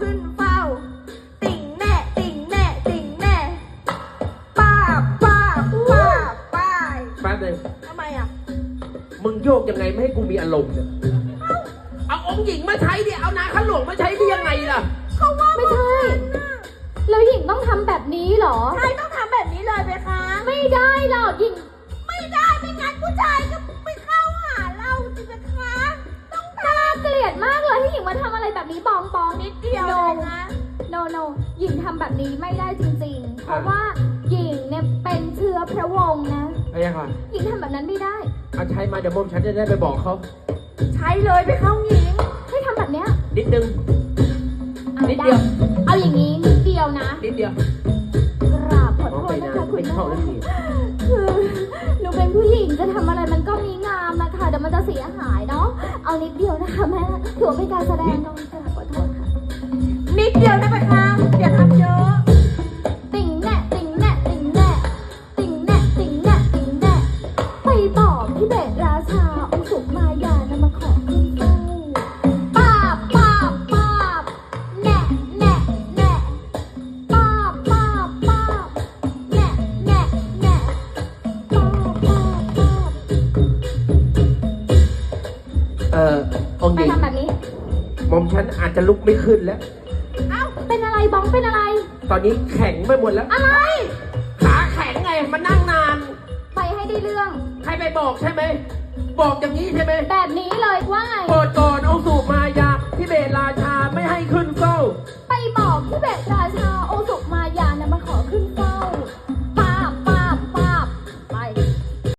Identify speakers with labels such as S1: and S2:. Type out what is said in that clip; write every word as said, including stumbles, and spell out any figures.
S1: ขึ้นเฝ้าติ่งแน่ติ่งแน่ติ่งแน่ป้าป้าป้าป้า
S2: แป๊บนึง
S1: ทำไมอ่ะ
S2: มึงโยกยังไงไม่ให้กูมีอารมณ์เนี่ยเอาองค์หญิงมาใช้ดิเอานาข้าหลวงมาใช้ได้ยังไงล่ะ
S1: เขาว่า
S3: ไม่ใช่แล้วหญิงต้องทำแบบนี้เหรอ
S1: ใช่ต้องทำแบบนี้เลยไหมคะ
S3: ไม่ได้หรอกหญิง
S1: ไม่ได้ไม่งั้นผู้ชายก็ไม่เข้าหาเราสิคะต้องท
S3: น่าเกลียดมากเลยที่หญิงมาทำอะไรแบบนี้บองบอง
S1: ำนิดเดียว
S3: โน
S1: เลยนะ
S3: โนโนหญิงทำแบบนี้ไม่ได้จริงๆ เพราะว่าหญิงเนี่ยเป็นเชื้อพระวงศ์นะ
S2: ไอ้ยังไง
S3: หญิงทำแบบนั้นไม่ได้
S2: เอาใช้มาเดี๋ยวมอมฉันจะได้ไปบอกเขา
S1: ใช้เลยไปเข้าหญิง
S3: ให้ทำแบบเนี้ย
S2: นิดนึง
S3: อา
S2: นิดเดียว
S3: เอาอย่างนี้นิดเดียวนะ
S2: นิดเดียว
S3: กราบขอโทษนะคะคุณ
S2: เป็น
S3: แม่
S2: เข้าได้ดี
S3: คือหนูเป็นผู้หญิงจะทำอะไรมันก็มีงามนะคะเดี๋ยวมันจะเสียหายเนาะเอานิดเดียวนะคะแม่ถือว่าเป็นการแสดงน้องกราบขอโทษค่ะ
S1: นิดเดียวได้ไหมคะอย่าทำเยอะ
S3: ติ่งแน่ติ่งแน่ติ่งแน่ติ่งแน่ติ่งแน่ติ่งแน่ไปบอกพี่เบสราชาองค์สุมายานำมาขอขึ้นเฝ้าป้าบป้าบป้าบแน่แน่แน่ป้าบป้าบป้าบแน่แน่แน่ป้าบป้าบป้าบ
S2: เอ่อองค์ห
S3: ไป
S2: ญิง
S3: ทำแบบนี้
S2: มอมฉันอาจจะลุกไม่ขึ้นแล้ว
S3: เอ้าเป็นอะไรบ้องเป็นอะไร
S2: ตอนนี้แข็งไปหมดแล้ว
S3: อะไร
S2: ขาแข็งไงมานั่งนาน
S3: ไปให้ได้เรื่อง
S2: ใครไปบอกใช่ไหม บอกอย่างนี้ใช่ไหม
S3: แบบนี้เลยว่าไง
S2: โปรดก่อนองค์สุมายาที่เบตราชาไม่ให้ขึ้นเฝ้า
S3: ไปบอกพี่เบสราชา